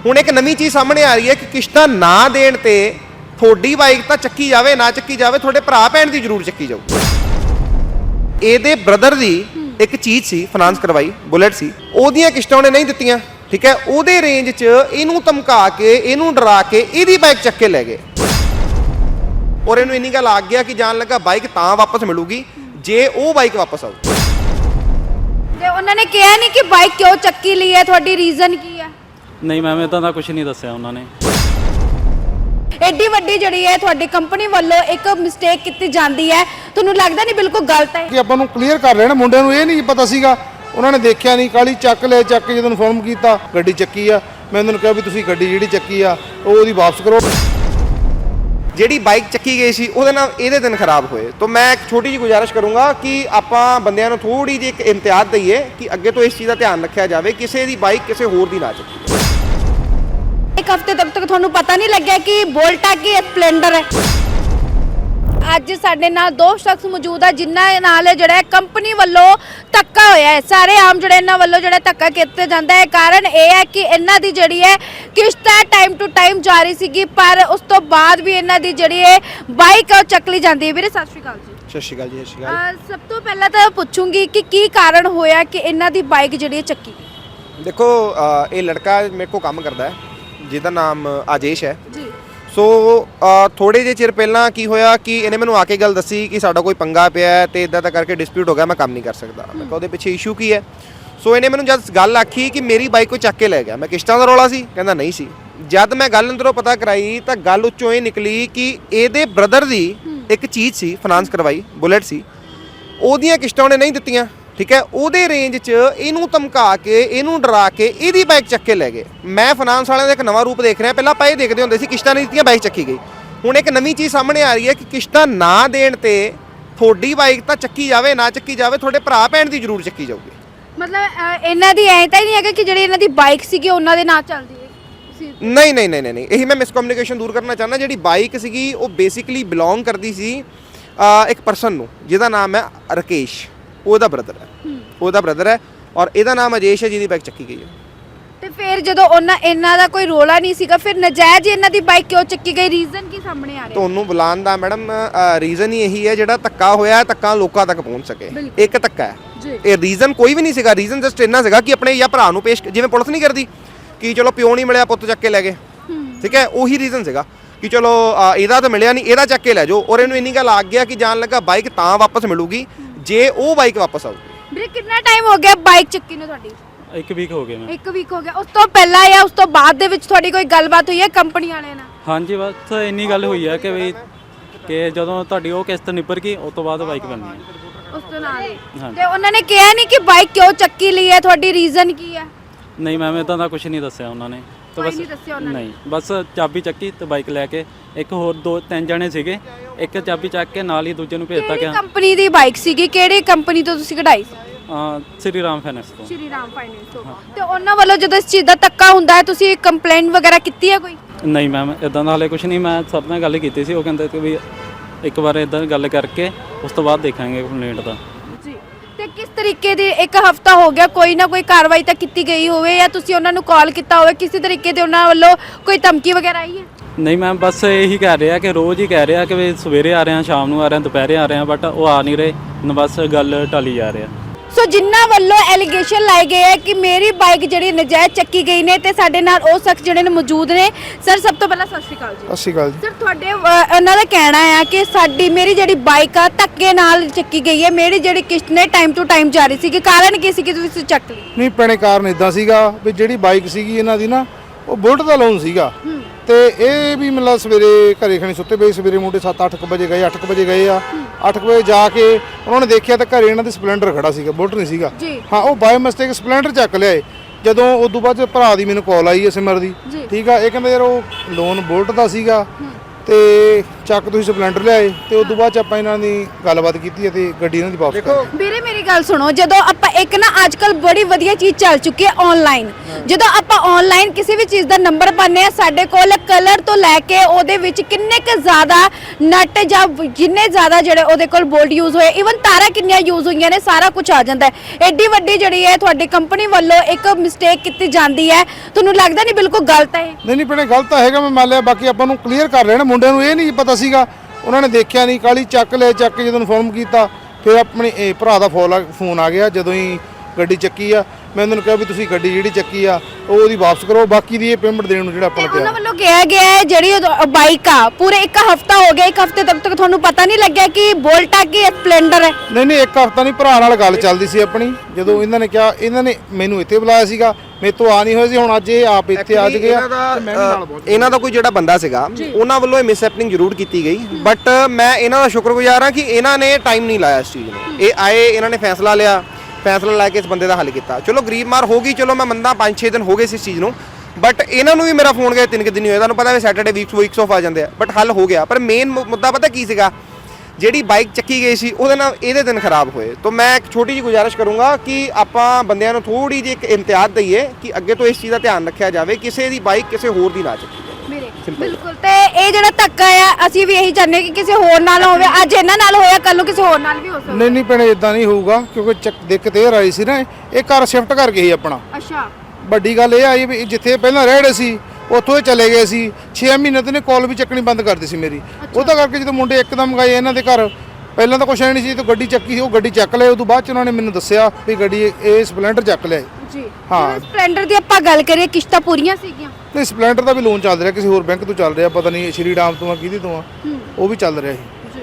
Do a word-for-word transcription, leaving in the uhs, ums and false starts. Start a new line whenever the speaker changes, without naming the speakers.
ਹੁਣ ਇੱਕ ਨਵੀਂ ਚੀਜ਼ ਸਾਹਮਣੇ ਆ ਰਹੀ ਹੈ ਕਿ ਕਿਸ਼ਤਾਂ ਨਾ ਦੇਣ ਤੇ ਤੁਹਾਡੀ ਬਾਈਕ ਤਾਂ ਚੱਕੀ ਜਾਵੇ ਨਾ ਚੱਕੀ ਜਾਵੇ, ਤੁਹਾਡੇ ਭਰਾ ਭੈਣ ਦੀ ਜ਼ਰੂਰ ਚੱਕੀ ਜਾਊ। ਇਹਦੇ ਬ੍ਰਦਰ ਦੀ ਇੱਕ ਚੀਜ਼ ਸੀ, ਫਾਈਨਾਂਸ ਕਰਵਾਈ, ਬੁਲਟ ਸੀ, ਉਹਦੀਆਂ ਕਿਸ਼ਤਾਂ ਉਹਨੇ ਨਹੀਂ ਦਿੱਤੀਆਂ, ਠੀਕ ਹੈ। ਉਹਦੇ ਰੇਂਜ 'ਚ ਇਹਨੂੰ ਧਮਕਾ ਕੇ, ਇਹਨੂੰ ਡਰਾ ਕੇ ਇਹਦੀ ਬਾਈਕ ਚੱਕ ਕੇ ਲੈ ਗਏ। ਔਰ ਇਹਨੂੰ ਇੰਨੀ ਗੱਲ ਆ ਗਿਆ ਕਿ ਜਾਣ ਲੱਗਾ ਬਾਈਕ ਤਾਂ ਵਾਪਸ ਮਿਲੂਗੀ ਜੇ ਉਹ ਬਾਈਕ ਵਾਪਸ ਆਊ।
ਤੇ ਉਹਨਾਂ ਨੇ ਕਿਹਾ ਨਹੀਂ ਕਿ ਬਾਈਕ ਕਿਉਂ ਚੱਕੀ ਲਈ ਹੈ, ਤੁਹਾਡੀ ਰੀਜ਼ਨ ਕੀ ਹੈ?
ਨਹੀਂ ਮੈਮ ਇਦਾਂ ਦਾ ਕੁਝ ਨਹੀਂ ਦੱਸਿਆ ਉਹਨਾਂ ਨੇ।
ਐਡੀ ਵੱਡੀ ਜਿਹੜੀ ਹੈ ਤੁਹਾਡੀ ਕੰਪਨੀ ਵੱਲੋਂ ਇੱਕ ਮਿਸਟੇਕ ਕੀਤੀ ਜਾਂਦੀ ਹੈ, ਤੁਹਾਨੂੰ ਲੱਗਦਾ ਨਹੀਂ ਬਿਲਕੁਲ ਗਲਤ ਹੈ?
ਕਿ ਆਪਾਂ ਨੂੰ ਕਲੀਅਰ ਕਰ ਲੈਣਾ, ਮੁੰਡਿਆਂ ਨੂੰ ਇਹ ਨਹੀਂ ਪਤਾ ਸੀਗਾ, ਉਹਨਾਂ ਨੇ ਦੇਖਿਆ ਨਹੀਂ, ਕਾਲੀ ਚੱਕ ਲੈ, ਚੱਕ ਕੇ ਜਦੋਂ ਇਨਫੋਰਮ ਕੀਤਾ ਗੱਡੀ ਚੱਕੀ ਆ, ਮੈਂ ਉਹਨਾਂ ਨੂੰ ਕਿਹਾ ਵੀ ਤੁਸੀਂ ਗੱਡੀ ਜਿਹੜੀ ਚੱਕੀ ਆ ਉਹ ਉਹਦੀ ਵਾਪਸ ਕਰੋ।
ਜਿਹੜੀ ਬਾਈਕ ਚੱਕੀ ਗਈ ਸੀ ਉਹਦੇ ਨਾਲ ਇਹਦੇ ਦਿਨ ਖਰਾਬ ਹੋਏ। ਤਾਂ ਮੈਂ ਇੱਕ ਛੋਟੀ ਜਿਹੀ ਗੁਜ਼ਾਰਿਸ਼ ਕਰੂੰਗਾ ਕਿ ਆਪਾਂ ਬੰਦਿਆਂ ਨੂੰ ਥੋੜੀ ਜਿਹੀ ਇੱਕ ਇਮਤਿਆਜ਼ ਦਈਏ ਕਿ ਅੱਗੇ ਤੋਂ ਇਸ ਚੀਜ਼ ਦਾ ਧਿਆਨ ਰੱਖਿਆ ਜਾਵੇ, ਕਿਸੇ ਦੀ ਬਾਈਕ ਕਿਸੇ ਹੋਰ ਦੀ ਨਾ ਚੱਕੀ।
ਇੱਕ ਹਫ਼ਤੇ ਤੱਕ ਤੱਕ ਤੁਹਾਨੂੰ ਪਤਾ ਨਹੀਂ ਲੱਗਿਆ ਕਿ ਬੋਲਟ ਆ ਕਿ ਸਪਲੈਂਡਰ ਹੈ। ਅੱਜ ਸਾਡੇ ਨਾਲ ਦੋ ਸ਼ਖਸ ਮੌਜੂਦ ਆ ਜਿਨ੍ਹਾਂ ਨਾਲ ਜਿਹੜਾ ਕੰਪਨੀ ਵੱਲੋਂ ਧੱਕਾ ਹੋਇਆ ਹੈ। ਸਾਰੇ ਆਮ ਜਿਹੜੇ ਇਹਨਾਂ ਵੱਲੋਂ ਜਿਹੜਾ ਧੱਕਾ ਕੀਤਾ ਜਾਂਦਾ ਹੈ, ਕਾਰਨ ਇਹ ਹੈ ਕਿ ਇਹਨਾਂ ਦੀ ਜਿਹੜੀ ਹੈ ਕਿਸ਼ਤ ਹੈ ਟਾਈਮ ਟੂ ਟਾਈਮ ਜਾਰੀ ਸੀਗੀ, ਪਰ ਉਸ ਤੋਂ ਬਾਅਦ ਵੀ ਇਹਨਾਂ ਦੀ ਜਿਹੜੀ ਹੈ ਬਾਈਕ ਉਹ ਚੱਕ ਲਈ ਜਾਂਦੀ ਹੈ। ਵੀਰੇ ਸਤਿ ਸ਼੍ਰੀ ਅਕਾਲ ਜੀ।
ਸਤਿ ਸ਼੍ਰੀ ਅਕਾਲ ਜੀ। ਸਤਿ ਸ਼੍ਰੀ ਅਕਾਲ।
ਸਭ ਤੋਂ ਪਹਿਲਾਂ ਤਾਂ ਪੁੱਛੂੰਗੀ ਕਿ ਕੀ ਕਾਰਨ ਹੋਇਆ ਕਿ ਇਹਨਾਂ ਦੀ ਬਾਈਕ ਜਿਹੜੀ ਹੈ ਚੱਕੀ?
ਦੇਖੋ ਇਹ ਲੜਕਾ ਮੇਰੇ ਕੋਲ ਕੰਮ ਕਰਦਾ ਹੈ ਜਿਹਦਾ ਨਾਮ ਆਜੇਸ਼ ਹੈ
ਜੀ।
ਸੋ ਥੋੜੇ ਜਿਹੇ ਚਿਰ ਪਹਿਲਾਂ ਕੀ ਹੋਇਆ ਕਿ ਇਹਨੇ ਮੈਨੂੰ ਆ ਕੇ ਗੱਲ ਦੱਸੀ ਕਿ ਸਾਡਾ ਕੋਈ ਪੰਗਾ ਪਿਆ ਹੈ ਤੇ ਇਦਾਂ ਦਾ ਕਰਕੇ ਡਿਸਪਿਊਟ ਹੋ ਗਿਆ, ਮੈਂ ਕੰਮ ਨਹੀਂ ਕਰ ਸਕਦਾ। ਮੈਂ ਕਿਹਾ ਉਹਦੇ ਪਿੱਛੇ ਇਸ਼ੂ ਕੀ ਹੈ? ਸੋ ਇਹਨੇ ਮੈਨੂੰ ਜਦ ਗੱਲ ਆਖੀ ਕਿ ਮੇਰੀ ਬਾਈਕ ਕੋਈ ਚੱਕ ਕੇ ਲੈ ਗਿਆ, ਮੈਂ ਕਿਸ਼ਤਾਂ ਦਾ ਰੌਲਾ ਸੀ, ਕਹਿੰਦਾ ਨਹੀਂ ਸੀ। ਜਦ ਮੈਂ ਗੱਲ ਅੰਦਰੋਂ ਪਤਾ ਕਰਾਈ ਤਾਂ ਗੱਲ ਉੱਚੋਂ ਇਹ ਨਿਕਲੀ ਕਿ ਇਹਦੇ ਬ੍ਰਦਰ ਦੀ ਇੱਕ ਚੀਜ਼ ਸੀ, ਫਾਈਨਾਂਸ ਕਰਵਾਈ, ਬੁਲਟ ਸੀ, ਉਹਦੀਆਂ ਕਿਸ਼ਤਾਂ ਉਹਨੇ ਨਹੀਂ ਦਿੱਤੀਆਂ, ਠੀਕ ਹੈ। ਉਹਦੇ ਰੇਂਜ 'ਚ ਇਹਨੂੰ ਧਮਕਾ ਕੇ, ਇਹਨੂੰ ਡਰਾ ਕੇ ਇਹਦੀ ਬਾਈਕ ਚੱਕ ਕੇ ਲੈ ਗਏ। ਮੈਂ ਫਾਈਨਾਂਸ ਵਾਲਿਆਂ ਦਾ ਇੱਕ ਨਵਾਂ ਰੂਪ ਦੇਖ ਰਿਹਾ। ਪਹਿਲਾਂ ਆਪਾਂ ਇਹ ਦੇਖਦੇ ਹੁੰਦੇ ਸੀ ਕਿਸ਼ਤਾਂ ਨਹੀਂ ਦਿੱਤੀਆਂ ਬਾਈਕ ਚੱਕੀ ਗਈ। ਹੁਣ ਇੱਕ ਨਵੀਂ ਚੀਜ਼ ਸਾਹਮਣੇ ਆ ਰਹੀ ਹੈ ਕਿ ਕਿਸ਼ਤਾਂ ਨਾ ਦੇਣ ਤੇ ਤੁਹਾਡੀ ਬਾਈਕ ਤਾਂ ਚੱਕੀ ਜਾਵੇ ਨਾ ਚੱਕੀ ਜਾਵੇ, ਤੁਹਾਡੇ ਭਰਾ ਭੈਣ ਦੀ ਜ਼ਰੂਰ ਚੱਕੀ ਜਾਊਗੀ।
ਮਤਲਬ ਇਹਨਾਂ ਦੀ ਐਂ ਤਾਂ ਹੀ ਨਹੀਂ ਹੈਗਾ ਕਿ ਜਿਹੜੀ ਇਹਨਾਂ ਦੀ ਬਾਈਕ ਸੀਗੀ ਉਹਨਾਂ ਦੇ ਨਾਲ ਚੱਲਦੀ ਹੈ?
ਨਹੀਂ ਨਹੀਂ ਨਹੀਂ ਨਹੀਂ ਇਹੀ ਮੈਂ ਮਿਸਕਮਿਊਨੀਕੇਸ਼ਨ ਦੂਰ ਕਰਨਾ ਚਾਹੁੰਦਾ। ਜਿਹੜੀ ਬਾਈਕ ਸੀਗੀ ਉਹ ਬੇਸਿਕਲੀ ਬਿਲੋਂਗ ਕਰਦੀ ਸੀ ਇੱਕ ਪਰਸਨ ਨੂੰ ਜਿਹਦਾ ਨਾਮ ਹੈ ਰਕੇਸ਼, ਉਹਦਾ ਬ੍ਰਦਰ ਹੈ, ਉਹਦਾ ਬ੍ਰਦਰ ਹੈ ਔਰ ਇਹਦਾ ਨਾਮ ਅਜੇਸ਼ ਹੈ ਜਿਹਦੀ ਬਾਈਕ ਚੱਕੀ ਗਈ ਹੈ।
ਤੇ ਫਿਰ ਜਦੋਂ ਉਹਨਾਂ ਇਹਨਾਂ ਦਾ ਕੋਈ ਰੋਲਾ ਨਹੀਂ ਸੀਗਾ, ਫਿਰ ਨਜਾਇਜ਼ ਇਹਨਾਂ ਦੀ ਬਾਈਕ ਕਿਉਂ ਚੱਕੀ ਗਈ? ਰੀਜ਼ਨ ਕੀ ਸਾਹਮਣੇ ਆ ਰਿਹਾ?
ਤੁਹਾਨੂੰ ਬੁਲਾਉਣ ਦਾ ਮੈਡਮ ਰੀਜ਼ਨ ਹੀ ਇਹੀ ਹੈ, ਜਿਹੜਾ ਧੱਕਾ ਹੋਇਆ ਧੱਕਾ ਲੋਕਾਂ ਤੱਕ ਪਹੁੰਚ ਸਕੇ। ਇੱਕ ਧੱਕਾ ਹੈ, ਇਹ ਰੀਜ਼ਨ ਕੋਈ ਵੀ ਨਹੀਂ ਸੀਗਾ। ਰੀਜ਼ਨ ਜਸਟ ਇੰਨਾ ਸੀਗਾ ਕਿ ਆਪਣੇ ਜਾਂ ਭਰਾ ਨੂੰ ਪੇਸ਼, ਜਿਵੇਂ ਪੁਲਿਸ ਨਹੀਂ ਕਰਦੀ ਕਿ ਚਲੋ ਪਿਓ ਨਹੀਂ ਮਿਲਿਆ ਪੁੱਤ ਚੱਕ ਕੇ ਲੈ ਗਏ, ਠੀਕ ਹੈ, ਉਹੀ ਰੀਜ਼ਨ ਸੀਗਾ ਕਿ ਚਲੋ ਇਹਦਾ ਤਾਂ ਮਿਲਿਆ ਨਹੀਂ, ਇਹਦਾ ਚੱਕ ਕੇ ਲੈ ਜਾਓ। ਔਰ ਇਹਨੂੰ ਇੰਨੀ ਗੱਲ ਆ ਗਿਆ ਕਿ ਜਾਣ ਲੱਗਾ ਬਾਈਕ ਤਾਂ ਵਾਪਸ ਮਿਲੂਗੀ ਜੇ ਉਹ ਬਾਈਕ ਵਾਪਸ ਆਊਗੀ। ਵੀਰੇ
ਕਿੰਨਾ ਟਾਈਮ ਹੋ ਗਿਆ ਬਾਈਕ ਚੱਕੀ ਨੂੰ ਤੁਹਾਡੀ?
ਇੱਕ ਵੀਕ ਹੋ ਗਿਆ ਮੈਂ।
ਇੱਕ ਵੀਕ ਹੋ ਗਿਆ। ਉਸ ਤੋਂ ਪਹਿਲਾਂ ਜਾਂ ਉਸ ਤੋਂ ਬਾਅਦ ਦੇ ਵਿੱਚ ਤੁਹਾਡੀ ਕੋਈ ਗੱਲਬਾਤ ਹੋਈ ਹੈ ਕੰਪਨੀ ਵਾਲਿਆਂ ਨਾਲ?
ਹਾਂਜੀ ਬਸ ਇੰਨੀ ਗੱਲ ਹੋਈ ਹੈ ਕਿ ਵੀ ਕਿ ਜਦੋਂ ਤੁਹਾਡੀ ਉਹ ਕਿਸ਼ਤ ਨਿਬਰ ਗਈ ਉਸ ਤੋਂ ਬਾਅਦ ਬਾਈਕ ਬਣਨੀ ਹੈ।
ਉਸ ਤੋਂ ਨਾਲ ਹੀ ਤੇ ਉਹਨਾਂ ਨੇ ਕਿਹਾ ਨਹੀਂ ਕਿ ਬਾਈਕ ਕਿਉਂ ਚੱਕੀ ਲਈ ਹੈ, ਤੁਹਾਡੀ ਰੀਜ਼ਨ ਕੀ ਹੈ?
ਨਹੀਂ ਮੈਮ ਇਦਾਂ ਦਾ ਕੁਝ ਨਹੀਂ ਦੱਸਿਆ ਉਹਨਾਂ ਨੇ। ਤਾਂ ਬਸ ਨਹੀਂ, ਬਸ ਚਾਬੀ ਚੱਕੀ ਤੇ ਬਾਈਕ ਲੈ ਕੇ, ਇੱਕ ਹੋਰ ਦੋ ਤਿੰਨ ਜਣੇ ਸੀਗੇ, ਇੱਕ ਚਾਬੀ ਚੱਕ ਕੇ ਨਾਲ ਹੀ ਦੂਜੇ ਨੂੰ ਭੇਜਤਾ। ਕਿ
ਕੰਪਨੀ ਦੀ ਬਾਈਕ ਸੀਗੀ? ਕਿਹੜੀ ਕੰਪਨੀ ਤੋਂ ਤੁਸੀਂ ਕਢਾਈ ਸੀ?
ਸ਼੍ਰੀ ਰਾਮ ਫਾਈਨੈਂਸ ਤੋਂ।
ਸ਼੍ਰੀ ਰਾਮ ਫਾਈਨੈਂਸ ਤੋਂ। ਤੇ ਉਹਨਾਂ ਵੱਲੋਂ ਜਦੋਂ ਇਸ ਚੀਜ਼ ਦਾ ਧੱਕਾ ਹੁੰਦਾ ਹੈ ਤੁਸੀਂ ਕੰਪਲੇਂਟ ਵਗੈਰਾ ਕੀਤੀ ਹੈ ਕੋਈ?
ਨਹੀਂ ਮੈਮ ਇਦਾਂ ਦਾ ਹਾਲੇ ਕੁਝ ਨਹੀਂ। ਮੈਂ ਸਭ ਨਾਲ ਗੱਲ ਕੀਤੀ ਸੀ, ਉਹ ਕਹਿੰਦੇ ਕਿ ਵੀ ਇੱਕ ਵਾਰ ਇਦਾਂ ਗੱਲ ਕਰਕੇ ਉਸ ਤੋਂ ਬਾਅਦ ਦੇਖਾਂਗੇ ਕੰਪਲੇਂਟ ਦਾ।
ਜੀ। ਤੇ ਕਿਸ ਤਰੀਕੇ ਦੀ ਇੱਕ ਹਫਤਾ ਹੋ ਗਿਆ ਕੋਈ ਨਾ ਕੋਈ ਕਾਰਵਾਈ ਤਾਂ ਕੀਤੀ ਗਈ ਹੋਵੇ ਜਾਂ ਤੁਸੀਂ ਉਹਨਾਂ ਨੂੰ ਕਾਲ ਕੀਤਾ ਹੋਵੇ, ਕਿਸੇ ਤਰੀਕੇ ਦੇ ਉਹਨਾਂ ਵੱਲੋਂ ਕੋਈ ਧਮਕੀ ਵਗੈਰਾ ਆਈ ਹੈ?
ਨਹੀਂ ਮੈਮ ਬਸ ਇਹੀ ਕਹਿ ਰਿਹਾ ਕਿ ਰੋਜ਼ ਹੀ ਕਹਿ ਰਿਹਾ ਕਿ ਵੀ ਸਵੇਰੇ ਆ ਰਹੇ ਹਾਂ, ਸ਼ਾਮ ਨੂੰ ਆ ਰਹੇ ਹਾਂ, ਦੁਪਹਿਰੇ ਆ ਰਹੇ ਹਾਂ, ਬਟ ਉਹ ਆ ਨਹੀਂ ਰਹੇ, ਬਸ ਗੱਲ ਟਾਲੀ ਜਾ ਰਿਹਾ।
ਸੋ ਜਿਨ੍ਹਾਂ ਵੱਲੋਂ ਐਲੀਗੇਸ਼ਨ ਲਾਏ ਗਏ ਹੈ ਕਿ ਮੇਰੀ ਬਾਈਕ ਜਿਹੜੀ ਨਜਾਇਜ਼ ਚੱਕੀ ਗਈ ਨੇ, ਤੇ ਸਾਡੇ ਨਾਲ ਉਹ ਸ਼ਖਸ ਜਿਹੜੇ ਨੇ ਮੌਜੂਦ ਨੇ। ਸਰ ਸਭ ਤੋਂ ਪਹਿਲਾਂ ਸਤਿ ਸ਼੍ਰੀ ਅਕਾਲ ਜੀ।
ਸਤਿ ਸ਼੍ਰੀ ਅਕਾਲ ਜੀ।
ਸਰ ਤੁਹਾਡੇ ਉਹਨਾਂ ਦਾ ਕਹਿਣਾ ਹੈ ਕਿ ਸਾਡੀ ਮੇਰੀ ਜਿਹੜੀ ਬਾਈਕ ਆ ਧੱਕੇ ਨਾਲ ਚੱਕੀ ਗਈ ਹੈ, ਮੇਰੀ ਜਿਹੜੀ ਕਿਸ਼ਤ ਨੇ ਟਾਈਮ ਟੂ ਟਾਈਮ ਜਾਰੀ ਸੀ, ਕਾਰਨ ਕੀ ਸੀ ਕਿ ਤੁਸੀਂ ਚੱਕ ਲਈ?
ਨਹੀਂ ਭੈਣੇ, ਕਾਰਨ ਇਦਾਂ ਸੀਗਾ ਵੀ ਜਿਹੜੀ ਬਾਈਕ ਸੀਗੀ ਇਹਨਾਂ ਦੀ ਨਾ, ਉਹ ਬੁਲਟ ਦਾ ਲੋਨ ਸੀਗਾ ਤੇ ਇਹ ਵੀ ਮਤਲਬ ਸਵੇਰੇ ਘਰੇ ਖਣੀ ਸੁੱਤੇ ਪਏ, ਸਵੇਰੇ ਮੁੰਡੇ ਸੱਤ ਅੱਠ ਕੁ ਵਜੇ ਗਏ, ਅੱਠ ਕੁ ਵਜੇ ਗਏ ਆ। ਅੱਠ ਕੁ ਵਜੇ ਜਾ ਕੇ ਉਹਨਾਂ ਨੇ ਦੇਖਿਆ ਤਾਂ ਘਰੇ ਇਹਨਾਂ ਦੀ ਸਪਲੈਂਡਰ ਖੜਾ ਸੀਗਾ, ਬੁਲਟ ਨਹੀਂ ਸੀਗਾ। ਹਾਂ, ਉਹ ਬਾਈ ਮਿਸਟੇਕ ਸਪਲੈਂਡਰ ਚੱਕ ਲਿਆਏ। ਜਦੋਂ ਉਸ ਤੋਂ ਬਾਅਦ ਭਰਾ ਦੀ ਮੈਨੂੰ ਕਾਲ ਆਈ ਹੈ ਸਿਮਰ ਦੀ, ਠੀਕ ਆ, ਇਹ ਕਹਿੰਦਾ ਯਾਰ ਉਹ ਲੋਨ ਬੁਲਟ ਦਾ ਸੀਗਾ ਤੇ ਚੱਕ ਤੁਸੀਂ ਸਪਲੈਂਡਰ ਲਿਆਏ। ਤੇ ਉਸ ਤੋਂ ਬਾਅਦ ਚ ਆਪਾਂ ਇਹਨਾਂ ਦੀ ਗੱਲਬਾਤ ਕੀਤੀ ਤੇ ਗੱਡੀ ਇਹਨਾਂ ਦੀ ਵਾਪਸ ਕਰ ਦਿੱਤੀ।
ਵੀਰੇ ਮੇਰੀ ਗੱਲ ਸੁਣੋ, ਜਦੋਂ ਆਪਾਂ ਇੱਕ ਨਾ ਅੱਜਕੱਲ ਬੜੀ ਵਧੀਆ ਚੀਜ਼ ਚੱਲ ਚੁੱਕੀ ਹੈ ਆਨਲਾਈਨ। ਜਦੋਂ ਆਪਾਂ ਆਨਲਾਈਨ ਕਿਸੇ ਵੀ ਚੀਜ਼ ਦਾ ਨੰਬਰ ਪਾਉਂਦੇ ਆ, ਸਾਡੇ ਕੋਲ ਕਲਰ ਤੋਂ ਲੈ ਕੇ ਉਹਦੇ ਵਿੱਚ ਕਿੰਨੇ ਕੁ ਜ਼ਿਆਦਾ ਨਟ ਜਾਂ ਜਿੰਨੇ ਜ਼ਿਆਦਾ ਜਿਹੜੇ ਉਹਦੇ ਕੋਲ ਬੋਲਡ ਯੂਜ਼ ਹੋਏ, ਇਵਨ ਤਾਰਾਂ ਕਿੰਨੀਆਂ ਯੂਜ਼ ਹੋਈਆਂ ਨੇ, ਸਾਰਾ ਕੁਝ ਆ ਜਾਂਦਾ ਹੈ। ਐਡੀ ਵੱਡੀ ਜਿਹੜੀ ਹੈ ਤੁਹਾਡੀ ਕੰਪਨੀ ਵੱਲੋਂ ਇੱਕ ਮਿਸਟੇਕ ਕੀਤੀ ਜਾਂਦੀ ਹੈ, ਤੁਹਾਨੂੰ ਲੱਗਦਾ ਨਹੀਂ ਬਿਲਕੁਲ ਗਲਤ ਹੈ ਇਹ?
ਨਹੀਂ ਨਹੀਂ ਭੈਣੇ ਗਲਤ ਤਾਂ ਹੈਗਾ, ਮੈਂ ਮੰਨ ਲਿਆ, ਬਾਕੀ ਆਪਾਂ ਨੂੰ ਕਲੀਅਰ ਕਰ ਲੈਣਾ। ਮੁੰਡਿਆਂ ਨੂੰ ਇਹ ਨਹੀਂ ਪਤਾ ਸੀਗਾ, ਉਹਨਾਂ ਨੇ ਦੇਖਿਆ ਨਹੀਂ, ਕਾਲੀ ਚੱਕ ਲਿਆ, ਚੱਕ ਕੇ ਜਦੋਂ ਇਨਫੋਰਮ ਕੀਤਾ ਫਿਰ ਆਪਣੇ ਇਹ ਭਰਾ ਦਾ ਫੋਨ ਫੋਨ ਆ ਗਿਆ ਜਦੋਂ ਹੀ ਗੱਡੀ ਚੱਕੀ ਆ। ਮੈਂ ਉਹਨਾਂ ਨੂੰ ਕਿਹਾ ਵੀ ਤੁਸੀਂ ਗੱਡੀ ਜਿਹੜੀ ਚੱਕੀ ਆ ਉਹ ਉਹਦੀ ਵਾਪਸ ਕਰੋ, ਬਾਕੀ ਦੀ ਇਹ ਪੇਮੈਂਟ ਦੇਣ ਨੂੰ ਜਿਹੜਾ ਆਪਾਂ ਨੂੰ
ਉਹਨਾਂ
ਤਿਆਰ।
ਵੱਲੋਂ ਕਿਹਾ ਗਿਆ ਹੈ ਜਿਹੜੀ ਬਾਈਕ ਆ ਪੂਰੇ ਇੱਕ ਹਫਤਾ ਹੋ ਗਿਆ, ਇੱਕ ਹਫਤੇ ਤੱਕ ਤੱਕ ਤੁਹਾਨੂੰ ਪਤਾ ਨਹੀਂ ਲੱਗਿਆ ਕਿ ਬੋਲਟ ਆ ਕਿ ਸਪਲੈਂਡਰ ਹੈ?
ਨਹੀਂ ਨਹੀਂ ਇੱਕ ਹਫਤਾ ਨਹੀਂ, ਭਰਾ ਨਾਲ ਗੱਲ ਚੱਲਦੀ ਸੀ ਆਪਣੀ, ਜਦੋਂ ਇਹਨਾਂ ਨੇ ਕਿਹਾ, ਇਹਨਾਂ ਨੇ ਮੈਨੂੰ ਇੱਥੇ ਬੁਲਾਇਆ ਸੀਗਾ, ਮੇਰੇ ਤੋਂ ਆ ਨਹੀਂ ਹੋਇਆ ਸੀ, ਹੁਣ ਅੱਜ ਇਹ ਆਪ ਇੱਥੇ ਆ ਗਏ ਆ ਤੇ ਮੈਂ ਵੀ ਨਾਲ ਪਹੁੰਚ।
ਇਹਨਾਂ ਦਾ ਕੋਈ ਜਿਹੜਾ ਬੰਦਾ ਸੀਗਾ ਉਹਨਾਂ ਵੱਲੋਂ ਇਹ ਮਿਸਹੈਪਨਿੰਗ ਜ਼ਰੂਰ ਕੀਤੀ ਗਈ, ਬਟ ਮੈਂ ਇਹਨਾਂ ਦਾ ਸ਼ੁਕਰਗੁਜ਼ਾਰ ਹਾਂ ਕਿ ਇਹਨਾਂ ਨੇ ਟਾਈਮ ਨਹੀਂ ਲਾਇਆ ਇਸ ਚੀਜ਼ ਨੂੰ। ਇਹ ਆਏ, ਇਹਨਾਂ ਨੇ ਫੈਸਲਾ ਲਿਆ, ਫੈਸਲਾ ਲੈ ਕੇ ਇਸ ਬੰਦੇ ਦਾ ਹੱਲ ਕੀਤਾ। ਚਲੋ ਗਰੀਬ ਮਾਰ ਹੋ ਗਈ, ਚਲੋ ਮੈਂ ਮੰਨਦਾ ਪੰਜ ਛੇ ਦਿਨ ਹੋ ਗਏ ਸੀ ਇਸ ਚੀਜ਼ ਨੂੰ, ਬਟ ਇਹਨਾਂ ਨੂੰ ਵੀ ਮੇਰਾ ਫੋਨ ਗਿਆ ਤਿੰਨ ਕੁ ਦਿਨ ਹੀ ਹੋਏ। ਤੁਹਾਨੂੰ ਪਤਾ ਹੈ ਸੈਟਰਡੇ ਵੀਕਸ ਵੀਕਸ ਆਫ ਆ ਜਾਂਦੇ ਆ, ਬਟ ਹੱਲ ਹੋ ਗਿਆ। ਪਰ ਮੇਨ ਮੁੱਦਾ ਪਤਾ ਕੀ ਸੀਗਾ, ਜਿਹੜੀ ਬਾਈਕ ਚੱਕੀ ਗਈ ਸੀ ਉਹਦੇ ਨਾਲ ਇਹਦੇ ਦਿਨ ਖਰਾਬ ਹੋਏ। ਤਾਂ ਮੈਂ ਇੱਕ ਛੋਟੀ ਜਿਹੀ ਗੁਜ਼ਾਰਿਸ਼ ਕਰੂੰਗਾ ਕਿ ਆਪਾਂ ਬੰਦਿਆਂ ਨੂੰ ਥੋੜੀ ਜਿਹੀ ਇੱਕ ਇਮਤਿਆਜ਼ ਦਈਏ ਕਿ ਅੱਗੇ ਤੋਂ ਇਸ ਚੀਜ਼ ਦਾ ਧਿਆਨ ਰੱਖਿਆ ਜਾਵੇ, ਕਿਸੇ ਦੀ ਬਾਈਕ ਕਿਸੇ ਹੋਰ ਦੀ ਨਾ ਚੱਕੀ ਜਾਵੇ।
ਮੇਰੇ ਬਿਲਕੁਲ। ਤੇ ਇਹ ਜਿਹੜਾ ਧੱਕਾ ਆ ਅਸੀਂ ਵੀ ਇਹੀ ਚਾਹੁੰਦੇ ਕਿ ਕਿਸੇ ਹੋਰ ਨਾਲ ਹੋਵੇ, ਅੱਜ ਇਹਨਾਂ ਨਾਲ ਹੋਇਆ ਕੱਲ ਨੂੰ ਕਿਸੇ ਹੋਰ ਨਾਲ ਵੀ ਹੋ ਸਕਦਾ।
ਨਹੀਂ ਨਹੀਂ ਭੈਣੇ ਇਦਾਂ ਨਹੀਂ ਹੋਊਗਾ, ਕਿਉਂਕਿ ਚੱਕ ਦਿੱਕਤ ਇਹ ਆਈ ਸੀ ਨਾ, ਇਹ ਘਰ ਸ਼ਿਫਟ ਕਰ ਗਏ ਸੀ ਆਪਣਾ।
ਅੱਛਾ।
ਵੱਡੀ ਗੱਲ ਇਹ ਆਈ ਵੀ ਜਿੱਥੇ ਪਹਿਲਾਂ ਰਹਿ ਰਹੇ ਸੀ ਉੱਥੋਂ ਇਹ ਚਲੇ ਗਏ ਸੀ, ਛੇ ਮਹੀਨੇ ਤੋਂ ਨੇ ਕਾਲ ਵੀ ਚੱਕਣੀ ਬੰਦ ਕਰਤੀ ਸੀ ਮੇਰੀ। ਉਹਦਾ ਕਰਕੇ ਜਦੋਂ ਮੁੰਡੇ ਇੱਕਦਮ ਗਏ ਇਹਨਾਂ ਦੇ ਘਰ, ਪਹਿਲਾਂ ਤਾਂ ਕੁਛ ਹੈ ਨਹੀਂ ਸੀ, ਤਾਂ ਗੱਡੀ ਚੱਕੀ ਸੀ, ਉਹ ਗੱਡੀ ਚੱਕ ਲਿਆ। ਉਦੋਂ ਬਾਅਦ ਚ ਉਹਨਾਂ ਨੇ ਮੈਨੂੰ ਦੱਸਿਆ ਵੀ ਗੱਡੀ ਇਹ ਸਪਲੈਂਡਰ ਚੱਕ ਲਿਆ
ਜੀ।
ਹਾਂ।
ਸਪਲੈਂਡਰ ਦੀ ਆਪਾਂ ਗੱਲ ਕਰੀਏ, ਕਿਸ਼ਤਾਂ ਪੂਰੀਆਂ ਸੀਗੀਆਂ?
ਤੇ ਸਪਲੈਂਡਰ ਦਾ ਵੀ ਲੋਨ ਚੱਲ ਰਿਹਾ, ਕਿਸੇ ਹੋਰ ਬੈਂਕ ਤੋਂ ਚੱਲ ਰਿਹਾ, ਪਤਾ ਨਹੀਂ ਸ਼੍ਰੀ ਰਾਮ ਤੋਂ ਆ ਕਿਹਦੇ ਤੋਂ ਆ, ਉਹ ਵੀ ਚੱਲ ਰਿਹਾ ਸੀ।